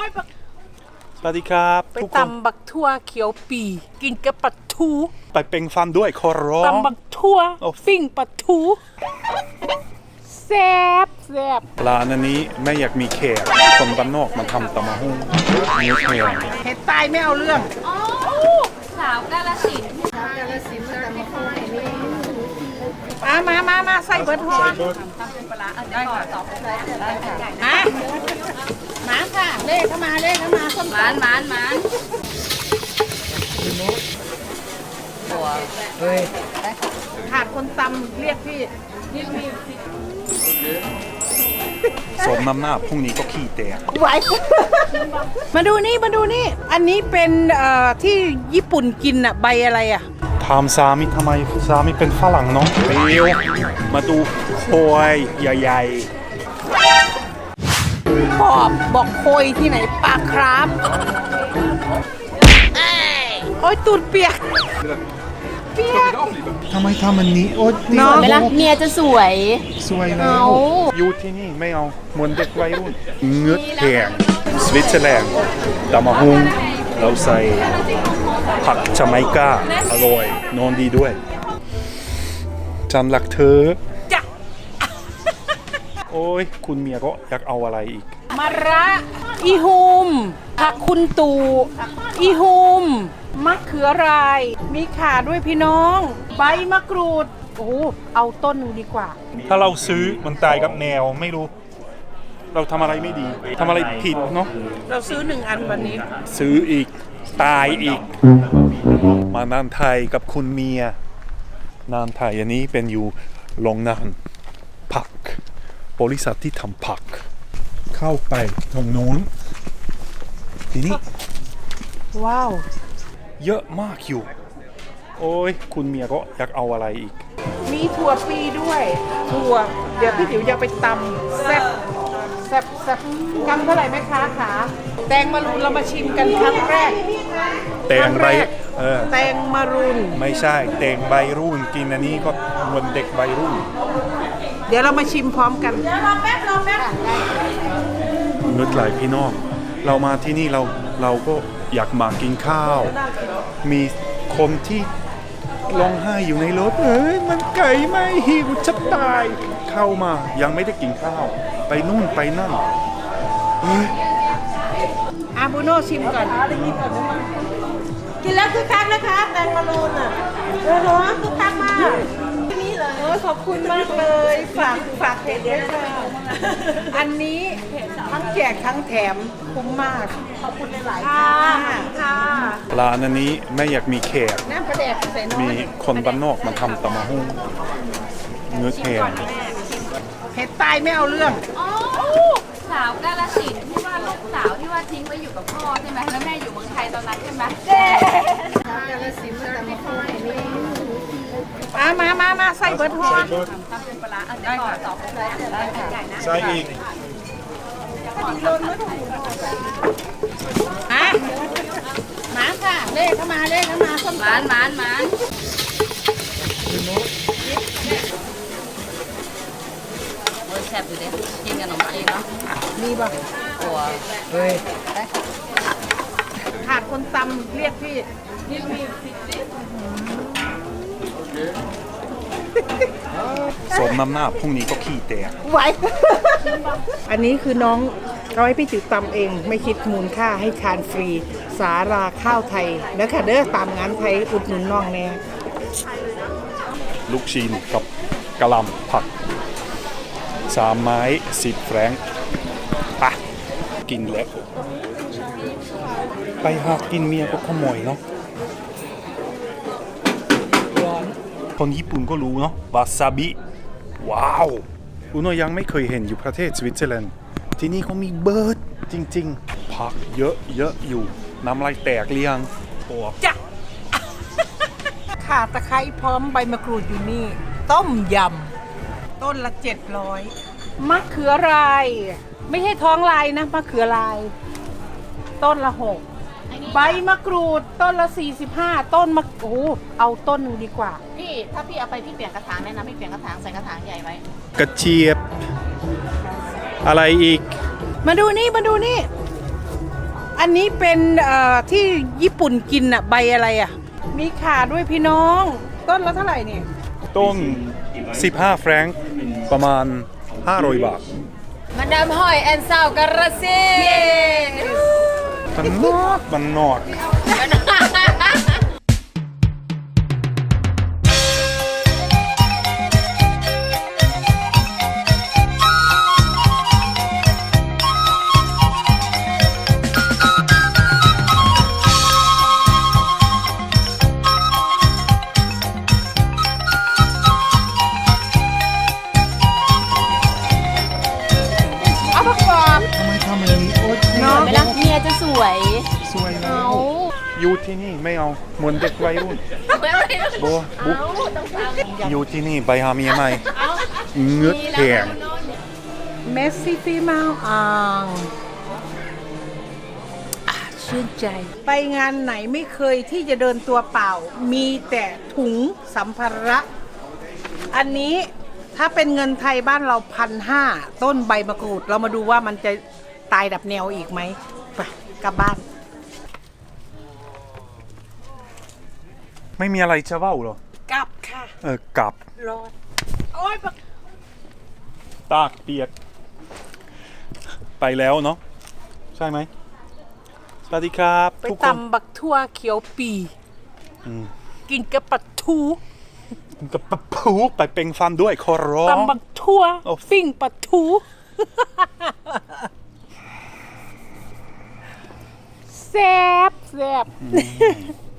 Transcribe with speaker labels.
Speaker 1: ย
Speaker 2: สวัสดีครับ
Speaker 1: ไป
Speaker 2: ทุกคน
Speaker 1: ตำบักทั่วเขียวปีกินกับปลาทู
Speaker 2: ไปเป็นฟันด้วยขอร้อง
Speaker 1: ตำบักทั่ว
Speaker 2: โอ้
Speaker 1: ปิ้งปลาทูแซ่บ
Speaker 2: ร้านอันนี้ไม่อยากมีแขกคนบ้านนอกมาทำตำมะฮุ่งเนื้อแข็ง
Speaker 1: เห็ดตายไม่เอาเรื่อง
Speaker 3: สาวกาลสินธุ์
Speaker 1: มาใส่เบิร์ดฮอนมาค่ะเล่เข้ามาส้ม
Speaker 3: หมาน
Speaker 1: ขาดคนตำเรียกพี่
Speaker 2: สมน้ำหน้าพรุ่งนี้ก็ขี้แตก
Speaker 1: ไหว มาดูนี่อันนี้เป็นที่ญี่ปุ่นกินอะใบอะไรอะ
Speaker 2: ถามสามีทำไมสามีเป็นฝรั่งเนาะเร็วมาดูโคยใหญ่
Speaker 1: บอกโคยที่ไหนปลาครับโอ้ยตูดเปียก
Speaker 2: ๆทำไมทำอันนี้โอ๊ย
Speaker 1: น้อง
Speaker 3: เวลาเมียจะสวย
Speaker 2: สวยแล้วอยู่ที่นี่ไม่เอาเหมือนเด็กวัยรุ่นเงือกแข็งสวิตเซอร์แลนด์ตำมะฮุ่งเราใส่ผักจาไมกาอร่อยนอนดีด้วยฉันรักเธอ
Speaker 1: จ้ะ
Speaker 2: โอ้ยคุณเมียก็อยากเอาอะไรอีก
Speaker 1: มะระอีหุมผักคุณตูอีหุมมะเขือราย มีข่าด้วยพี่น้อง ใบมะกรูดโอ้เอาต้นหนึงดีกว่า
Speaker 2: ถ้าเราซื้อมันตายกับแนวไม่รู้ เราทำอะไรไม่ดีทำอะไรผิดเนาะ
Speaker 1: เราซื้อ1 อันวันนี้
Speaker 2: ซื้ออีกตายอีก มานานไทยกับคุณเมียนานไทยอันนี้เป็นอยู่โรงงานผักบริษัทที่ทำผัก เข้าไปตรงโน้นทีนี้
Speaker 1: ว้าว
Speaker 2: เยอะมากอยู่ โอ้ยคุณเมียก็อยากเอาอะไรอีก
Speaker 1: มีถั่วปีด้วยถั่วเดี๋ยวพี่ติ๋วจะไปตำแซ่บกำเท่าไหร่แม่ค้าขาแตงมะรุนเรามาชิมกันครั้งแรก
Speaker 2: แตงใบ
Speaker 1: แตงมะรุน
Speaker 2: ไม่ใช่แตงใบรุ่นกินอันนี้ก็เหมือนเด็กใบรุ่น
Speaker 1: เดี๋ยวเรามาชิมพร้อมกันรอแป๊บ
Speaker 2: นึกหลายพี่น้องเรามาที่นี่เราก็อยากมากินข้าว มีคนที่ร้องไห้อยู่ในรถมันไก่ไม่หิวจะตายเข้ามายังไม่ได้กินข้าว ไปนู่นไปนั่นเฮ้ย
Speaker 1: อาบูโน่ชิมก่อนกินแล้วคือคักนะคะแตงมะรุนอ่ะคือคักมากนี่เลยขอบคุณมากเลยฝากเพจด้วยค่ะอันนี้ทั้งแจกทั้งแถมคุ้มมากขอบคุณหลายๆค่ะ
Speaker 2: ร้านอันนี้ไม่อยากมีแขก
Speaker 1: น้ำปลาแดกใส่น้อย
Speaker 2: มีคนบ้านนอกมาทำตำมะฮุ่งเนื้อแข็ง
Speaker 1: เห็ดตายไม่เอาเรื่อง
Speaker 3: สาวกาลสินธุ์ที่ว่าลูกสาวที่ว่าทิ้งไว้อยู่กับพ่อใช่ไหมแล้วแม่อยู่เมืองไทยตอนนั้นใช่ไหม
Speaker 1: มาใส่เบิร์ดฮอน
Speaker 3: ได้ค่ะสองเลย
Speaker 2: ใช่อีก
Speaker 1: มาค่ะเล่เข้ามาส้ม
Speaker 3: หมานโอ้ยแซ่บอยู่เด้กินกับขนมจีนเนาะ
Speaker 1: มีป่ะ
Speaker 3: ตัว
Speaker 1: ขาดคนตำเรียกพี่
Speaker 2: สมน้ำหน้าพรุ่งนี้ก็ขี้แตก
Speaker 1: ไหว อันนี้คือน้องเขาให้พี่จิ๋วตำเองไม่คิดมูลค่าให้ทานฟรี สาราข้าวไทยนะคะเด้อตามงานไทยอุดหนุนน้องแน่
Speaker 2: ลูกชิ้นกับกะหล่ำผัก3 ไม้10 แฟรงค์ปะกินแล้วไปหากินเมียก็ขโมยเนาะคนญี่ปุ่นก็รู้เนาะวาซาบิว้าวอุโนยังไม่เคยเห็นอยู่ประเทศสวิตเซอร์แลนด์ที่นี่เขามีเบิร์ดจริงๆผักเยอะอยู่น้ำลายแตกเรียงโอ้
Speaker 1: จ้ะ ข่าตะไคร้พร้อมใบมะกรูดอยู่นี่ ต้มยำต้นละ700มะเขือราย ไม่ใช่ท้องลายนะมะเขือลาย ต้นละ6ใบมะกรูดต้นละ45ต้นมะโอ้เอาต้นหนึ่งดีกว่า
Speaker 3: พี่ถ้าพี่เอาไปพี่เปลี่ยนกระถางแนะนำพี่เปลี่ยนกระถางใส่กระถางใหญ่ไว้
Speaker 2: กระเจี๊ยบอะไรอีก
Speaker 1: มาดูนี่อันนี้เป็นที่ญี่ปุ่นกินอะใบอะไรอะมีขาด้วยพี่น้อง ต้นละเท่าไหร่เนี่ย
Speaker 2: ต้น 15 แฟรงค์ประมาณ 500 บาท
Speaker 3: มาดามหอยแอนซาวกระเซน
Speaker 2: มันนอก
Speaker 1: เอาประกอบ
Speaker 2: ทำไมทำอย่างนี้โอ๊ย
Speaker 1: เนาะ
Speaker 3: ไม่รักเมียจะสวย
Speaker 2: สวยนะอยู่ที่นี่ไม่เอาเหมือนเด็กวัยรุ่นโบบุ๊กอยู่ที่นี่ไปหาเมียใหม่เงือกแข็ง
Speaker 1: เมสซี่ฟีมาอ่างชื่นใจ ไปงานไหนไม่เคยที่จะเดินตัวเปล่า มีแต่ถุงสัมภาระ อันนี้ถ้าเป็นเงินไทยบ้านเรา1,500ต้นใบมะกรูด เรามาดูว่ามันจะตายดับแนวอีกไหมไปกลับบ้าน
Speaker 2: ไม่มีอะไรจะเว้าเหรอก
Speaker 1: ลับค่ะ
Speaker 2: กลับ
Speaker 1: รอดโอ้ย
Speaker 2: ตากเปียก ไปแล้วเนาะใช่ไหมสวัสดีครับ
Speaker 1: ไป
Speaker 2: ทุกคน
Speaker 1: ตำบักทั่วเขียวปี
Speaker 2: อืม
Speaker 1: กินกับปลาทู
Speaker 2: กับปะพูไปเป็นฟันด้วยขอร้อง
Speaker 1: ตำบักทั่ว
Speaker 2: โอ้
Speaker 1: ปิ้งปลาทูแซ่บ